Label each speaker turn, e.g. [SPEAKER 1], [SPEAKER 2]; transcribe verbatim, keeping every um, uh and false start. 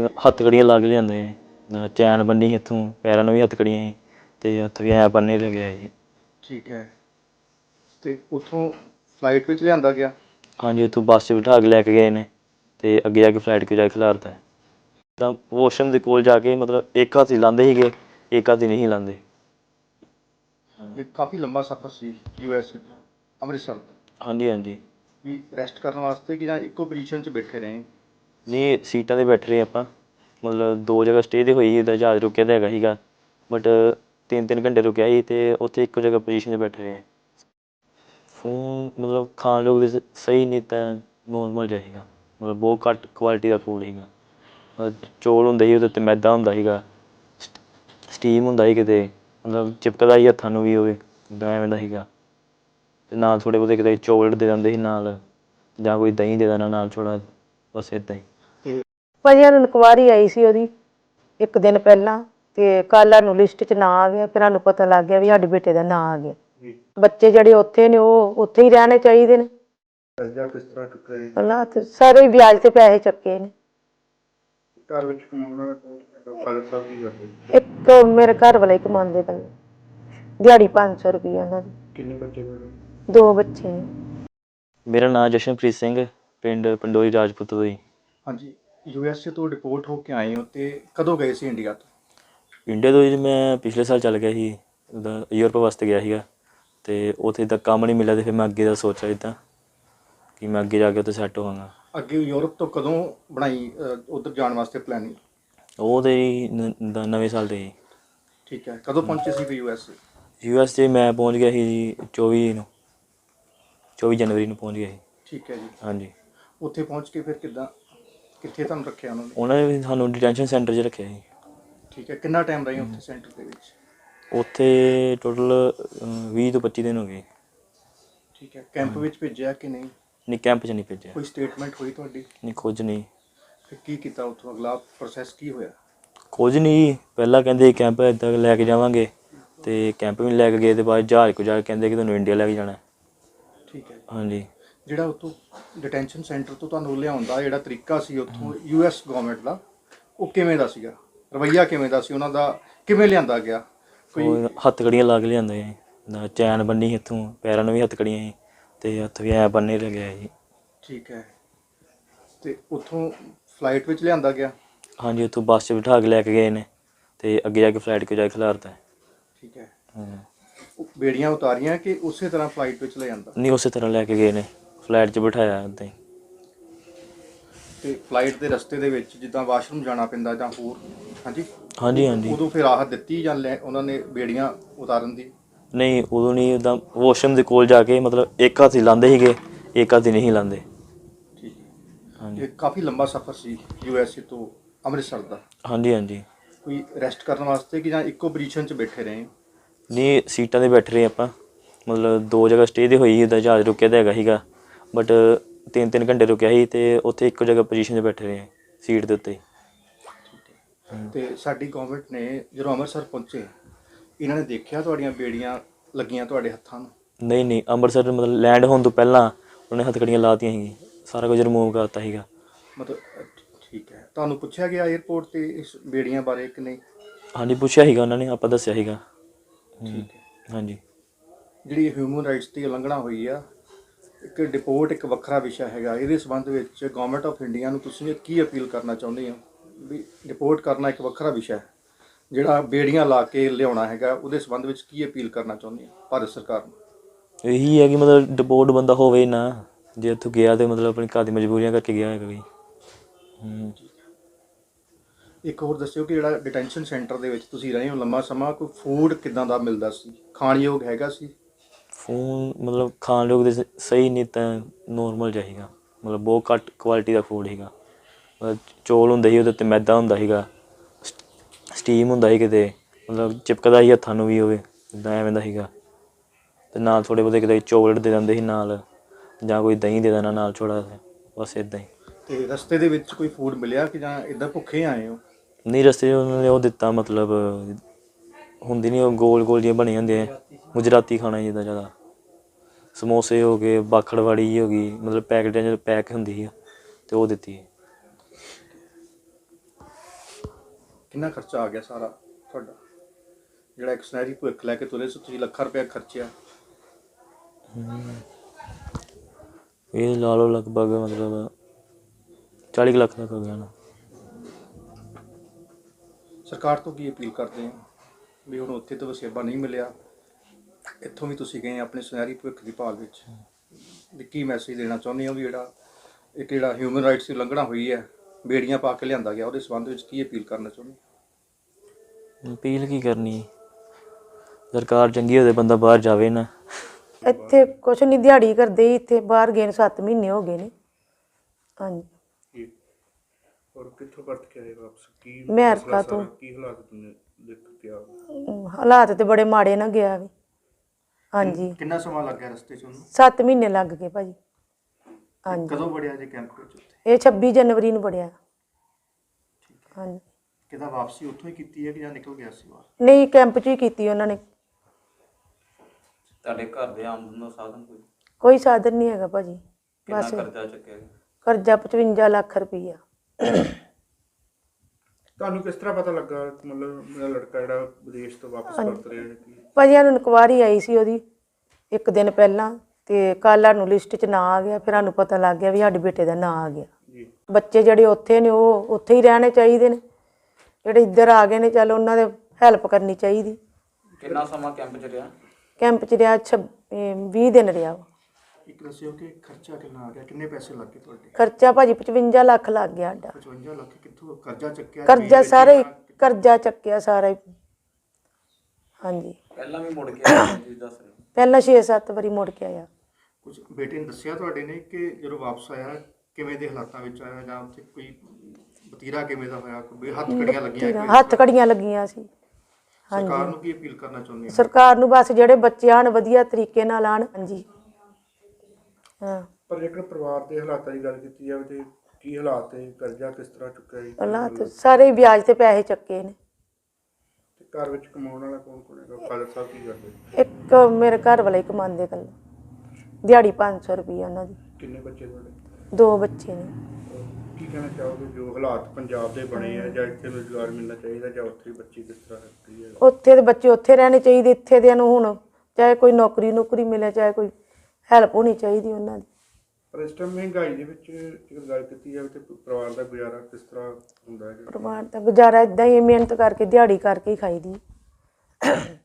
[SPEAKER 1] ਹੱਥਕੜੀਆਂ ਲਾ ਕੇ ਲਿਆਂਦੇ ਨੇ, ਚੈਨ ਬੰਨੀ ਸੀ ਇੱਥੋਂ, ਪੈਰਾਂ ਨੂੰ ਵੀ ਹੱਥਕੜੀਆਂ ਸੀ ਅਤੇ ਹੱਥ ਵੀ ਐਂ ਬੰਨ੍ਹੇ ਲੈ ਗਿਆ ਜੀ।
[SPEAKER 2] ਠੀਕ ਹੈ, ਅਤੇ ਉੱਥੋਂ ਫਲਾਈਟ ਵਿੱਚ ਲਿਆਂਦਾ ਗਿਆ?
[SPEAKER 1] ਹਾਂਜੀ, ਉੱਥੋਂ ਬੱਸ 'ਚ ਬਿਠਾ ਕੇ ਲੈ ਕੇ ਗਏ ਨੇ ਅਤੇ ਅੱਗੇ ਜਾ ਕੇ ਫਲਾਈਟ 'ਚ ਜਾ ਕੇ ਖਿਲਾਰਤਾ। ਤਾਂ ਵਾਸ਼ਰੂਮ ਦੇ ਕੋਲ ਜਾ ਕੇ ਮਤਲਬ ਇੱਕ ਹੱਥ ਹੀ ਲਾਉਂਦੇ ਸੀਗੇ, ਇੱਕ ਹੱਥ ਹੀ ਨਹੀਂ ਲਾਉਂਦੇ।
[SPEAKER 2] ਇਹ ਕਾਫੀ ਲੰਬਾ ਸਫ਼ਰ ਸੀ ਯੂ ਐਸ ਅੰਮ੍ਰਿਤਸਰ ਦਾ।
[SPEAKER 1] ਹਾਂਜੀ ਹਾਂਜੀ।
[SPEAKER 2] ਵੀ ਰੈਸਟ ਕਰਨ ਵਾਸਤੇ ਕਿ ਜਾਂ ਇੱਕੋ ਪੋਜੀਸ਼ਨ 'ਚ ਬੈਠੇ ਰਹੇ?
[SPEAKER 1] ਨਹੀਂ, ਸੀਟਾਂ 'ਤੇ ਬੈਠੇ ਰਹੇ ਆਪਾਂ, ਮਤਲਬ ਦੋ ਜਗ੍ਹਾ ਸਟੇਅ 'ਤੇ ਹੋਈ ਸੀ, ਉੱਦਾਂ ਜਹਾਜ਼ ਰੁਕਿਆ ਤਾਂ ਹੈਗਾ ਸੀਗਾ, ਬਟ ਤਿੰਨ ਤਿੰਨ ਘੰਟੇ ਰੁਕਿਆ ਸੀ ਅਤੇ ਉੱਥੇ ਇੱਕੋ ਜਗ੍ਹਾ ਪੋਜੀਸ਼ਨ 'ਤੇ ਬੈਠੇ ਰਹੇ। ਫੋਨ ਮਤਲਬ ਖਾਣ ਲੋਕ ਦੇ ਸਹੀ ਨਹੀਂ ਤਾਂ ਨੋਰਮਲ ਜਿਹਾ ਸੀਗਾ, ਮਤਲਬ ਬਹੁਤ ਘੱਟ ਕੁਆਲਿਟੀ ਦਾ ਫੂਡ ਸੀਗਾ। ਚੌਲ ਹੁੰਦੇ ਸੀ ਉਹਦੇ ਉੱਤੇ ਮੈਦਾ ਹੁੰਦਾ ਸੀਗਾ, ਸਟੀਮ ਹੁੰਦਾ ਸੀ ਕਿਤੇ, ਮਤਲਬ ਚਿਪਕਦਾ ਸੀ ਹੱਥਾਂ ਨੂੰ ਵੀ ਉਹ ਇੱਦਾਂ ਐਵੇਂ ਦਾ ਸੀਗਾ। ਅਤੇ ਨਾਲ ਥੋੜ੍ਹੇ ਬਹੁਤੇ ਕਿਤੇ ਚੌਕਲੇਟ ਦੇ ਦਿੰਦੇ ਸੀ ਨਾਲ, ਜਾਂ ਕੋਈ ਦਹੀਂ ਦੇ ਦੇਣਾ ਨਾਲ ਥੋੜ੍ਹਾ, ਬਸ ਇੱਦਾਂ ਹੀ।
[SPEAKER 3] ਭਾਜੀ ਸਾਨੂੰ ਇਨਕੁਆਇਰੀ ਆਈ ਸੀ ਉਹਦੀ ਇੱਕ ਦਿਨ ਪਹਿਲਾਂ, ਅਤੇ ਕੱਲ੍ਹ ਸਾਨੂੰ ਲਿਸਟ 'ਚ ਨਾਂ ਆ ਗਿਆ, ਫਿਰ ਸਾਨੂੰ ਪਤਾ ਲੱਗ ਗਿਆ ਵੀ ਸਾਡੇ ਬੇਟੇ ਦਾ ਨਾਂ ਆ ਗਿਆ। ਬੱਚੇ ਜਿਹੜੇ ਉੱਥੇ ਨੇ ਉਹ ਉੱਥੇ ਹੀ ਰਹਿਣੇ ਚਾਹੀਦੇ ਨੇ।
[SPEAKER 2] ਕਿਸ ਤਰ੍ਹਾਂ ਚੁੱਕੇ?
[SPEAKER 3] ਸਾਰੇ ਵਿਆਜ 'ਤੇ ਪੈਸੇ ਚੱਕੇ ਨੇ।
[SPEAKER 2] ਘਰ ਵਿੱਚ ਫਾਦਰ ਸਾਹਿਬ ਕੀ ਕਰਦੇ?
[SPEAKER 3] ਇੱਕ ਮੇਰੇ ਘਰ ਵਾਲਾ ਹੀ ਕਮਾਉਂਦੇ ਪਏ, ਦਿਹਾੜੀ ਪੰਜ ਸੌ ਰੁਪਈਆ ਉਹਨਾਂ ਦੀ।
[SPEAKER 2] ਕਿੰਨੇ ਬੱਚੇ?
[SPEAKER 3] ਦੋ ਬੱਚੇ ਨੇ।
[SPEAKER 1] ਮੇਰਾ ਨਾਮ ਜਸ਼ਨਪ੍ਰੀਤ ਸਿੰਘ, ਪਿੰਡ ਪੰਡੋਰੀ ਰਾਜਪੂਤ ਤੋਂ ਜੀ।
[SPEAKER 2] ਹਾਂਜੀ, ਯੂ ਐਸ ਏ ਤੋਂ ਰਿਪੋਰਟ ਹੋ ਕੇ ਆਏ ਹੋ ਅਤੇ ਕਦੋਂ ਗਏ ਸੀ ਇੰਡੀਆ ਤੋਂ?
[SPEAKER 1] ਇੰਡੀਆ ਤੋਂ ਜੀ ਮੈਂ ਪਿਛਲੇ ਸਾਲ ਚੱਲ ਗਿਆ ਸੀ, ਉੱਦਾਂ ਯੂਰਪ ਵਾਸਤੇ ਗਿਆ ਸੀਗਾ, ਅਤੇ ਉੱਥੇ ਇੱਦਾਂ ਕੰਮ ਨਹੀਂ ਮਿਲਿਆ ਅਤੇ ਫਿਰ ਮੈਂ ਅੱਗੇ ਦਾ ਸੋਚਿਆ ਇੱਦਾਂ ਕਿ ਮੈਂ ਅੱਗੇ ਜਾ ਕੇ ਉੱਥੇ ਸੈੱਟ ਹੋਵਾਂਗਾ।
[SPEAKER 2] ਅੱਗੇ ਯੂਰਪ ਤੋਂ ਕਦੋਂ ਬਣਾਈ ਉੱਧਰ ਜਾਣ ਵਾਸਤੇ ਪਲੈਨਿੰਗ?
[SPEAKER 1] ਉਹ ਤਾਂ ਜੀ ਨ ਨਵੇਂ ਸਾਲ 'ਤੇ ਜੀ।
[SPEAKER 2] ਠੀਕ ਹੈ, ਕਦੋਂ ਪਹੁੰਚੇ ਸੀ ਫਿਰ U S A?
[SPEAKER 1] U S 'ਚ ਮੈਂ ਪਹੁੰਚ ਗਿਆ ਸੀ ਜੀ ਚੌਵੀ ਨੂੰ, ਚੌਵੀ ਜਨਵਰੀ ਨੂੰ ਪਹੁੰਚ ਗਿਆ ਸੀ।
[SPEAKER 2] ਠੀਕ ਹੈ ਜੀ।
[SPEAKER 1] ਹਾਂਜੀ।
[SPEAKER 2] ਉੱਥੇ ਪਹੁੰਚ ਕੇ ਫਿਰ ਕਿੱਦਾਂ, ਕਿੱਥੇ ਤੁਹਾਨੂੰ ਰੱਖਿਆ ਉਹਨਾਂ ਨੇ?
[SPEAKER 1] ਉਹਨਾਂ ਨੇ ਵੀ ਸਾਨੂੰ ਡਿਟੈਂਸ਼ਨ ਸੈਂਟਰ 'ਚ ਰੱਖਿਆ ਸੀ।
[SPEAKER 2] ਠੀਕ ਹੈ, ਕਿੰਨਾ ਟਾਈਮ ਰਹੇ ਉੱਥੇ ਸੈਂਟਰ ਦੇ ਵਿੱਚ?
[SPEAKER 1] ਉੱਥੇ ਟੋਟਲ ਵੀਹ ਤੋਂ ਪੱਚੀ ਦਿਨ ਹੋ ਗਏ।
[SPEAKER 2] ਠੀਕ ਹੈ, ਕੈਂਪ ਵਿੱਚ ਭੇਜਿਆ ਕਿ ਨਹੀਂ?
[SPEAKER 1] ਨਹੀਂ, ਕੈਂਪ 'ਚ ਨਹੀਂ ਭੇਜਿਆ।
[SPEAKER 2] ਕੋਈ ਸਟੇਟਮੈਂਟ ਹੋਈ ਤੁਹਾਡੀ?
[SPEAKER 1] ਨਹੀਂ, ਕੁਝ ਨਹੀਂ।
[SPEAKER 2] ਫਿਰ ਕੀ ਕੀਤਾ ਉੱਥੋਂ, ਅਗਲਾ ਪ੍ਰੋਸੈਸ ਕੀ ਹੋਇਆ?
[SPEAKER 1] ਕੁਝ ਨਹੀਂ, ਪਹਿਲਾਂ ਕਹਿੰਦੇ ਕੈਂਪ ਇੱਦਾਂ ਲੈ ਕੇ ਜਾਵਾਂਗੇ, ਅਤੇ ਕੈਂਪ ਵੀ ਲੈ ਕੇ ਗਏ, ਅਤੇ ਬਾਅਦ ਜਹਾਜ਼ ਕੋ ਜਾ ਕੇ ਕਹਿੰਦੇ ਕਿ ਤੁਹਾਨੂੰ ਇੰਡੀਆ ਲੈ ਕੇ ਜਾਣਾ।
[SPEAKER 2] ਠੀਕ ਹੈ।
[SPEAKER 1] ਹਾਂਜੀ।
[SPEAKER 2] ਜਿਹੜਾ ਉੱਥੋਂ ਡਿਟੈਂਸ਼ਨ ਸੈਂਟਰ ਤੋਂ ਤੁਹਾਨੂੰ ਲਿਆਉਣ ਦਾ ਜਿਹੜਾ ਤਰੀਕਾ ਸੀ ਉੱਥੋਂ ਯੂ ਐਸ ਗੌਰਮੈਂਟ ਦਾ, ਉਹ ਕਿਵੇਂ ਦਾ ਸੀਗਾ? ਰਵੱਈਆ ਕਿਵੇਂ ਦਾ ਸੀ ਉਹਨਾਂ ਦਾ? ਕਿਵੇਂ ਲਿਆਂਦਾ ਗਿਆ? ਕੋਈ
[SPEAKER 1] ਹੱਥਕੜੀਆਂ ਲਾ ਕੇ ਲਿਆਂਦੇ ਸੀ, ਚੈਨ ਬੰਨੀ ਸੀ ਇੱਥੋਂ, ਪੈਰਾਂ ਨੂੰ ਵੀ ਹੱਥਕੜੀਆਂ ਸੀ ਅਤੇ ਹੱਥ ਵੀ ਐਂ ਬੰਨ੍ਹੇ ਲੈ ਗਿਆ ਜੀ।
[SPEAKER 2] ਠੀਕ ਹੈ, ਅਤੇ ਉੱਥੋਂ ਫਲਾਈਟ ਵਿੱਚ ਲਿਆਂਦਾ ਗਿਆ?
[SPEAKER 1] ਹਾਂਜੀ, ਉੱਥੋਂ ਬੱਸ 'ਚ ਬਿਠਾ ਕੇ ਲੈ ਕੇ ਗਏ ਨੇ ਅਤੇ ਅੱਗੇ ਜਾ ਕੇ ਫਲਾਈਟ 'ਚ ਜਾ ਕੇ ਖਿਲਾਰਤਾ।
[SPEAKER 2] ਠੀਕ ਹੈ।
[SPEAKER 1] ਹਾਂ।
[SPEAKER 2] ਬੇੜੀਆਂ ਉਤਾਰੀਆਂ ਕਿ ਉਸੇ ਤਰ੍ਹਾਂ ਫਲਾਈਟ ਵਿੱਚ ਲੈ ਜਾਂਦਾ?
[SPEAKER 1] ਨਹੀਂ, ਉਸੇ ਤਰ੍ਹਾਂ ਲੈ ਕੇ ਗਏ ਨੇ, ਫਲਾਈਟ 'ਚ ਬਿਠਾਇਆ ਉੱਦਾਂ ਹੀ।
[SPEAKER 2] ਅਤੇ ਫਲਾਈਟ ਦੇ ਰਸਤੇ ਦੇ ਵਿੱਚ ਜਿੱਦਾਂ ਵਾਸ਼ਰੂਮ ਜਾਣਾ ਪੈਂਦਾ ਜਾਂ ਹੋਰ? ਹਾਂਜੀ
[SPEAKER 1] ਹਾਂਜੀ ਹਾਂਜੀ।
[SPEAKER 2] ਉਦੋਂ ਫਿਰ ਰਾਹਤ ਦਿੱਤੀ ਜਾਂ ਲੈ ਉਹਨਾਂ ਨੇ ਬੇੜੀਆਂ ਉਤਾਰਨ ਦੀ?
[SPEAKER 1] ਨਹੀਂ, ਉਦੋਂ ਨਹੀਂ, ਉੱਦਾਂ ਵਾਸ਼ਰੂਮ ਦੇ ਕੋਲ ਜਾ ਕੇ ਮਤਲਬ ਇੱਕ ਹੱਥ ਹੀ ਲਾਉਂਦੇ ਸੀਗੇ, ਇੱਕ ਹੱਥ ਹੀ ਨਹੀਂ ਲਾਉਂਦੇ।
[SPEAKER 2] ਠੀਕ ਹੈ।
[SPEAKER 1] ਹਾਂਜੀ।
[SPEAKER 2] ਇਹ ਕਾਫੀ ਲੰਬਾ ਸਫ਼ਰ ਸੀ ਯੂ ਐਸ ਏ ਤੋਂ ਅੰਮ੍ਰਿਤਸਰ ਦਾ।
[SPEAKER 1] ਹਾਂਜੀ ਹਾਂਜੀ।
[SPEAKER 2] ਕੋਈ ਰੈਸਟ ਕਰਨ ਵਾਸਤੇ ਕਿ ਜਾਂ ਇੱਕੋ ਪੋਜੀਸ਼ਨ 'ਚ ਬੈਠੇ ਰਹੇ?
[SPEAKER 1] ਨਹੀਂ, ਸੀਟਾਂ 'ਤੇ ਬੈਠੇ ਰਹੇ ਆਪਾਂ, ਮਤਲਬ ਦੋ ਜਗ੍ਹਾ ਸਟੇਅ 'ਤੇ ਹੋਈ ਸੀ, ਉੱਦਾਂ ਜਹਾਜ਼ ਰੁਕਿਆ ਤਾਂ ਹੈਗਾ ਸੀਗਾ, ਬਟ ਤਿੰਨ ਤਿੰਨ ਘੰਟੇ ਰੁਕਿਆ ਸੀ ਅਤੇ ਉੱਥੇ ਇੱਕੋ ਜਗ੍ਹਾ ਪੋਜੀਸ਼ਨ 'ਚ ਬੈਠੇ ਰਹੇ ਸੀਟ ਦੇ ਉੱਤੇ।
[SPEAKER 2] ਅਤੇ ਸਾਡੀ ਗੌਰਮੈਂਟ ਨੇ ਜਦੋਂ ਅੰਮ੍ਰਿਤਸਰ ਪਹੁੰਚੇ, ਇਹਨਾਂ ਨੇ ਦੇਖਿਆ ਤੁਹਾਡੀਆਂ ਬੇੜੀਆਂ ਲੱਗੀਆਂ ਤੁਹਾਡੇ ਹੱਥਾਂ ਨੂੰ?
[SPEAKER 1] ਨਹੀਂ ਨਹੀਂ, ਅੰਮ੍ਰਿਤਸਰ ਮਤਲਬ ਲੈਂਡ ਹੋਣ ਤੋਂ ਪਹਿਲਾਂ ਉਹਨੇ ਹੱਥਕੜੀਆਂ ਲਾਤੀਆਂ ਸੀ, ਸਾਰਾ ਕੁਝ ਰਿਮੂਵ ਕਰਤਾ ਸੀਗਾ।
[SPEAKER 2] ਮਤਲਬ ਠੀਕ ਹੈ, ਤੁਹਾਨੂੰ ਪੁੱਛਿਆ ਗਿਆ ਏਅਰਪੋਰਟ 'ਤੇ ਇਸ ਬੇੜੀਆਂ ਬਾਰੇ ਕਿ ਨਹੀਂ?
[SPEAKER 1] ਹਾਂਜੀ, ਪੁੱਛਿਆ ਸੀਗਾ ਉਹਨਾਂ ਨੇ, ਆਪਾਂ ਦੱਸਿਆ ਸੀਗਾ।
[SPEAKER 2] ਠੀਕ ਹੈ।
[SPEAKER 1] ਹਾਂਜੀ। ਜਿਹੜੀ
[SPEAKER 2] ਹਿਊਮਨ ਰਾਈਟਸ ਦੀ ਉਲੰਘਣਾ ਹੋਈ ਆ, ਇੱਕ ਡਿਪੋਰਟ ਇੱਕ ਵੱਖਰਾ ਵਿਸ਼ਾ ਹੈਗਾ, ਇਹਦੇ ਸੰਬੰਧ ਵਿੱਚ ਗੌਰਮੈਂਟ ਆਫ ਇੰਡੀਆ ਨੂੰ ਤੁਸੀਂ ਕੀ ਅਪੀਲ ਕਰਨਾ ਚਾਹੁੰਦੇ ਹੋ? ਵੀ ਡਿਪੋਰਟ ਕਰਨਾ ਇੱਕ ਵੱਖਰਾ ਵਿਸ਼ਾ ਹੈ, ਜਿਹੜਾ ਬੇੜੀਆਂ ਲਾ ਕੇ ਲਿਆਉਣਾ ਹੈਗਾ, ਉਹਦੇ ਸੰਬੰਧ ਵਿੱਚ ਕੀ ਅਪੀਲ ਕਰਨਾ ਚਾਹੁੰਦੇ ਹੋ ਭਾਰਤ ਸਰਕਾਰ ਨੂੰ?
[SPEAKER 1] ਇਹੀ ਹੈ ਕਿ ਮਤਲਬ ਡਿਪੋਰਟ ਬੰਦਾ ਹੋਵੇ ਨਾ, ਜੇ ਉੱਥੋਂ ਗਿਆ ਤਾਂ ਮਤਲਬ ਆਪਣੀ ਘਰ ਦੀ ਮਜਬੂਰੀਆਂ ਕਰਕੇ ਗਿਆ ਹੈਗਾ ਵੀ।
[SPEAKER 2] ਇੱਕ ਹੋਰ ਦੱਸਿਓ ਕਿ ਜਿਹੜਾ ਡਿਟੈਂਸ਼ਨ ਸੈਂਟਰ ਦੇ ਵਿੱਚ ਤੁਸੀਂ ਰਹੇ ਹੋ ਲੰਮਾ ਸਮਾਂ, ਕੋਈ ਫੂਡ ਕਿੱਦਾਂ ਦਾ ਮਿਲਦਾ ਸੀ? ਖਾਣਯੋਗ ਹੈਗਾ ਸੀ?
[SPEAKER 1] ਫੂਡ ਮਤਲਬ ਖਾਣ ਲੋਕ ਦੇ ਸਹੀ ਨਹੀਂ ਤਾਂ ਨੋਰਮਲ ਜਿਹਾ ਸੀਗਾ, ਮਤਲਬ ਬਹੁਤ ਘੱਟ ਕੁਆਲਿਟੀ ਦਾ ਫੂਡ ਸੀਗਾ। ਮਤਲਬ ਚੌਲ ਹੁੰਦੇ ਸੀ ਉਹਦੇ ਉੱਤੇ ਮੈਦਾ ਹੁੰਦਾ ਸੀਗਾ, ਸਟੀਮ ਹੁੰਦਾ ਸੀ ਕਿਤੇ, ਮਤਲਬ ਚਿਪਕਦਾ ਸੀ ਹੱਥਾਂ ਨੂੰ ਵੀ ਹੋਵੇ ਇੱਦਾਂ ਐਵੇਂ ਦਾ ਸੀਗਾ, ਅਤੇ ਨਾਲ ਥੋੜ੍ਹੇ ਬਹੁਤੇ ਕਿਤੇ ਚੌਕਲੇਟ ਦੇ ਦਿੰਦੇ ਸੀ ਨਾਲ, ਜਾਂ ਕੋਈ ਦਹੀਂ ਦੇ ਦੇਣਾ ਨਾਲ ਥੋੜ੍ਹਾ, ਬਸ ਇੱਦਾਂ ਹੀ।
[SPEAKER 2] ਅਤੇ ਰਸਤੇ ਦੇ ਵਿੱਚ ਕੋਈ ਫੂਡ ਮਿਲਿਆ ਕਿ ਜਾਂ ਇੱਦਾਂ ਭੁੱਖੇ ਆਏ ਹੋ?
[SPEAKER 1] ਨਹੀਂ, ਰਸਤੇ 'ਚ ਉਹਨਾਂ ਨੇ ਉਹ ਦਿੱਤਾ, ਮਤਲਬ ਹੁੰਦੀ ਨਹੀਂ ਉਹ ਗੋਲ ਗੋਲ ਜਿਹੀਆਂ ਬਣੀਆਂ ਹੁੰਦੀਆਂ ਗੁਜਰਾਤੀ ਖਾਣਾ ਜਿੱਦਾਂ ਜ਼ਿਆਦਾ, ਸਮੋਸੇ ਹੋ ਗਏ, ਬਾਖੜਵਾੜੀ ਜਿਹੀ ਹੋ ਗਈ, ਮਤਲਬ ਪੈਕਟਾਂ 'ਚ ਪੈਕ ਹੁੰਦੀ ਆ, ਅਤੇ ਉਹ ਦਿੱਤੀ।
[SPEAKER 2] ਕਿੰਨਾ ਖਰਚਾ ਆ ਗਿਆ ਸਾਰਾ ਤੁਹਾਡਾ, ਜਿਹੜਾ ਇੱਕ ਸੁਨਹਿਰੀ ਭਵਿੱਖ ਲੈ ਕੇ ਤੁਰੇ ਸੀ ਤੁਸੀਂ, ਲੱਖਾਂ ਰੁਪਇਆ ਖਰਚਿਆ?
[SPEAKER 1] ਇਹ ਲਾ ਲਓ ਲਗਭਗ ਮਤਲਬ ਚਾਲੀ ਕੁ ਲੱਖ ਤੱਕ ਹੋ ਗਿਆ ਨਾ।
[SPEAKER 2] ਸਰਕਾਰ ਤੋਂ ਕੀ ਅਪੀਲ ਕਰਦੇ ਆ ਵੀ ਹੁਣ ਉੱਥੇ ਤਾਂ ਵਸੇਬਾ ਨਹੀਂ ਮਿਲਿਆ, ਇੱਥੋਂ ਵੀ ਤੁਸੀਂ ਗਏ ਆਪਣੇ ਸੁਨਹਿਰੀ ਭਵਿੱਖ ਦੀ ਭਾਲ ਵਿੱਚ, ਵੀ ਕੀ ਮੈਸੇਜ ਦੇਣਾ ਚਾਹੁੰਦੇ ਹੋ ਵੀ ਜਿਹੜਾ ਇੱਕ ਜਿਹੜਾ ਹਿਊਮਨ ਰਾਈਟਸ ਦੀ ਉਲੰਘਣਾ ਹੋਈ ਹੈ, ਬੇੜੀਆਂ ਪਾ ਕੇ ਲਿਆਂਦਾ ਗਿਆ, ਉਹਦੇ ਸੰਬੰਧ ਵਿੱਚ ਕੀ ਅਪੀਲ ਕਰਨਾ ਚਾਹੁੰਦੇ ਹੋ?
[SPEAKER 1] ਅਪੀਲ ਕੀ ਕਰਨੀ, ਸਰਕਾਰ ਚੰਗੀ ਹੋਵੇ ਬੰਦਾ ਬਾਹਰ ਜਾਵੇ ਨਾ।
[SPEAKER 3] ਇੱਥੇ ਕੁਛ ਨਹੀਂ, ਦਿਹਾੜੀ ਕਰਦੇ ਹੀ, ਇੱਥੇ ਬਾਹਰ ਗਏ ਨੂੰ ਸੱਤ ਮਹੀਨੇ ਹੋ ਗਏ ਨੇ। ਹਾਂਜੀ।
[SPEAKER 2] ਔਰ ਕਿੱਥੋਂ ਪਰਤ ਕੇ ਆਏ ਵਾਪਸ? ਕੀ
[SPEAKER 3] ਮੈਂ ਅਰਕਾ ਤੋਂ।
[SPEAKER 2] ਕੀ ਹਾਲਾਤ ਤੁਮਨੇ ਦੇਖ ਕੇ ਆ?
[SPEAKER 3] ਅਮ, ਹਾਲਾਤ ਤੇ ਬੜੇ ਮਾੜੇ ਨਾ ਗਿਆ ਵੀ। ਹਾਂਜੀ।
[SPEAKER 2] ਕਿੰਨਾ ਸਮਾਂ ਲੱਗਿਆ ਰਸਤੇ 'ਚ ਉਹਨੂੰ?
[SPEAKER 3] ਸੱਤ ਮਹੀਨੇ ਲੱਗ ਗਏ ਭਾਜੀ। ਹਾਂਜੀ।
[SPEAKER 2] ਕਦੋਂ ਵੜਿਆ ਜੇ ਕੈਂਪ ਵਿੱਚ ਉੱਥੇ?
[SPEAKER 3] ਇਹ ਛੱਬੀ ਜਨਵਰੀ ਨੂੰ ਬੜਿਆ। ਹਾਂਜੀ।
[SPEAKER 2] ਕਿਦਾ ਵਾਪਸੀ ਉੱਥੋਂ ਹੀ ਕੀਤੀ ਹੈ ਕਿ ਜਾਂ ਨਿਕਲ ਗਿਆ ਸੀ ਬਾਹਰ?
[SPEAKER 3] ਨਹੀਂ, ਕੈਂਪ 'ਚ ਹੀ ਕੀਤੀ ਉਹਨਾਂ ਨੇ।
[SPEAKER 1] ਤੁਹਾਡੇ ਘਰ ਦੇ ਆਮਦਨ ਦਾ ਸਾਧਨ ਕੋਈ
[SPEAKER 3] ਕੋਈ ਸਾਧਨ ਨਹੀਂ ਹੈਗਾ ਭਾਜੀ।
[SPEAKER 1] ਕਿੰਨਾ
[SPEAKER 3] ਬਸ
[SPEAKER 1] ਕਰਜ਼ਾ ਚੁੱਕਿਆ?
[SPEAKER 3] ਕਰਜ਼ਾ ਪਚਵੰਜਾ ਲੱਖ ਰੁਪਈਆ।
[SPEAKER 2] ਤੁਹਾਨੂੰ ਕਿਸ ਤਰ੍ਹਾਂ ਪਤਾ ਲੱਗਾ ਮਤਲਬ ਮੇਰਾ ਲੜਕਾ ਜਿਹੜਾ ਵਿਦੇਸ਼ ਤੋਂ ਵਾਪਸ ਪਰਤ ਰਿਹਾ ਹੈ?
[SPEAKER 3] ਭਾਜੀ ਨੂੰ ਇਨਕੁਆਰੀ ਆਈ ਸੀ ਉਹਦੀ ਇੱਕ ਦਿਨ ਪਹਿਲਾਂ, ਤੇ ਕੱਲ੍ਹ ਨੂੰ ਲਿਸਟ 'ਚ ਨਾਂ ਆ ਗਿਆ, ਫਿਰ ਸਾਨੂੰ ਪਤਾ ਲੱਗ ਗਿਆ ਵੀ ਸਾਡੇ ਬੇਟੇ ਦਾ ਨਾਂ ਆ ਗਿਆ।
[SPEAKER 2] ਜੀ।
[SPEAKER 3] ਬੱਚੇ ਜਿਹੜੇ ਉੱਥੇ ਨੇ ਉਹ ਉੱਥੇ ਹੀ ਰਹਿਣੇ ਚਾਹੀਦੇ ਨੇ, ਜਿਹੜੇ ਇੱਧਰ ਆ ਗਏ ਨੇ ਚੱਲ ਉਹਨਾਂ ਦੇ ਹੈਲਪ ਕਰਨੀ ਚਾਹੀਦੀ।
[SPEAKER 1] ਕਿੰਨਾ ਸਮਾਂ ਕੈਂਪ 'ਚ ਰਿਹਾ?
[SPEAKER 3] ਕੈਂਪ 'ਚ ਰਿਹਾ ਛੱਬੀ ਵੀਹ ਦਿਨ ਰਿਹਾ ਵਾ।
[SPEAKER 2] ਇੱਕ ਦੱਸਿਓ ਕਿ ਖਰਚਾ ਕਿੰਨਾ ਆ ਗਿਆ, ਕਿੰਨੇ ਪੈਸੇ ਲੱਗੇ ਤੁਹਾਡੇ?
[SPEAKER 3] ਖਰਚਾ ਭਾਜੀ ਪਚਵੰਜਾ ਲੱਖ ਲੱਗ ਗਿਆ ਸਾਡਾ।
[SPEAKER 2] ਪਚਵੰਜਾ ਲੱਖ ਕਿੱਥੋਂ ਕਰਜ਼ਾ ਚੱਕਿਆ?
[SPEAKER 3] ਕਰਜ਼ਾ ਸਾਰਾ ਹੀ ਕਰਜ਼ਾ ਚੱਕਿਆ ਸਾਰਾ ਹੀ। ਹਾਂਜੀ।
[SPEAKER 1] ਪਹਿਲਾਂ ਵੀ ਮੁੜ ਕੇ ਆਇਆ ਜੀ, ਦੱਸ ਰਹੇ
[SPEAKER 3] ਪਹਿਲਾਂ ਛੇ ਸੱਤ ਵਾਰੀ ਮੁੜ ਕੇ ਆਇਆ।
[SPEAKER 2] ਕੁਝ ਬੇਟੇ ਨੇ ਦੱਸਿਆ ਤੁਹਾਡੇ ਨੇ ਕਿ ਜਦੋਂ ਵਾਪਸ ਆਇਆ ਕਿਵੇਂ ਦੇ ਹਾਲਾਤਾਂ ਵਿੱਚ ਆਇਆ, ਜਾਂ ਉੱਥੇ ਕੋਈ ਵਤੀਰਾ ਕਿਵੇਂ ਦਾ ਹੋਇਆ, ਕੋਈ ਹੱਥ ਕੜੀਆਂ ਲੱਗੀਆਂ ਕੋਈ?
[SPEAKER 3] ਹੱਥ ਕੜੀਆਂ ਲੱਗੀਆਂ ਸੀ।
[SPEAKER 2] ਸਰਕਾਰ ਨੂੰ ਕੀ ਅਪੀਲ ਕਰਨਾ ਚਾਹੁੰਦੇ ਹੋ?
[SPEAKER 3] ਸਰਕਾਰ ਨੂੰ ਬਸ ਜਿਹੜੇ ਬੱਚੇ ਆਣ ਵਧੀਆ ਤਰੀਕੇ ਨਾਲ ਆਣ। ਹਾਂਜੀ। ਹਾਂ।
[SPEAKER 2] ਪਰ ਜੇਕਰ ਪਰਿਵਾਰ ਦੇ ਹਾਲਾਤਾਂ ਦੀ ਗੱਲ ਕੀਤੀ ਜਾਵੇ ਤੇ ਕੀ ਹਾਲਾਤ ਹੈ, ਕਰਜ਼ਾ ਕਿਸ ਤਰ੍ਹਾਂ ਚੁੱਕਿਆ ਜੀ?
[SPEAKER 3] ਹਾਲਾਤ ਸਾਰੇ ਹੀ ਵਿਆਜ ਤੇ ਪੈਸੇ ਚੱਕੇ ਨੇ।
[SPEAKER 2] ਤੇ ਘਰ ਵਿੱਚ ਕਮਾਉਣ ਵਾਲਾ ਕੌਣ ਕੌਣ ਹੈਗਾ? ਫਾਦਰ ਸਾਹਿਬ ਕੀ ਕਰਦੇ?
[SPEAKER 3] ਇੱਕ ਮੇਰੇ ਘਰ ਵਾਲਾ ਹੀ ਕਮਾਉਂਦੇ ਕੱਲ, ਦਿਹਾੜੀ ਪੰਜ ਸੌ ਰੁਪਈਆ ਉਹਨਾਂ ਦੀ।
[SPEAKER 2] ਕਿੰਨੇ ਬੱਚੇ ਤੁਹਾਡੇ?
[SPEAKER 3] ਦੋ ਬੱਚੇ ਨੇ।
[SPEAKER 2] ਕੀ ਕਹਿਣਾ ਚਾਹੋਗੇ ਜੋ ਹਾਲਾਤ ਪੰਜਾਬ ਦੇ ਬਣੇ ਆ, ਜਾਂ ਇੱਥੇ ਰੁਜ਼ਗਾਰ ਮਿਲਣਾ ਚਾਹੀਦਾ, ਜਾਂ ਉੱਥੇ ਬੱਚੀ ਕਿਸ ਤਰ੍ਹਾਂ ਰੱਖਦੀ ਹੈ?
[SPEAKER 3] ਉੱਥੇ ਦੇ ਬੱਚੇ ਉੱਥੇ ਰਹਿਣੇ ਚਾਹੀਦੇ, ਇੱਥੇ ਦੇ ਨੂੰ ਹੁਣ ਚਾਹੇ ਕੋਈ ਨੌਕਰੀ ਨੌਕਰੀ ਮਿਲੇ, ਚਾਹੇ ਕੋਈ ਹੈਲਪ ਹੋਣੀ ਚਾਹੀਦੀ ਉਹਨਾਂ ਦੀ।
[SPEAKER 2] ਪਰ ਇਸ ਟਾਈਮ ਮਹਿੰਗਾਈ ਦੇ ਵਿੱਚ ਜੇਕਰ ਗੱਲ ਕੀਤੀ ਜਾਵੇ ਤੇ ਪਰਿਵਾਰ ਦਾ ਗੁਜ਼ਾਰਾ ਕਿਸ ਤਰ੍ਹਾਂ ਹੁੰਦਾ ਹੈ?
[SPEAKER 3] ਪਰਿਵਾਰ ਦਾ ਗੁਜ਼ਾਰਾ ਇਦਾਂ ਹੀ ਮਿਹਨਤ ਕਰਕੇ ਦਿਹਾੜੀ ਕਰਕੇ ਹੀ ਖਾਈਦੀ।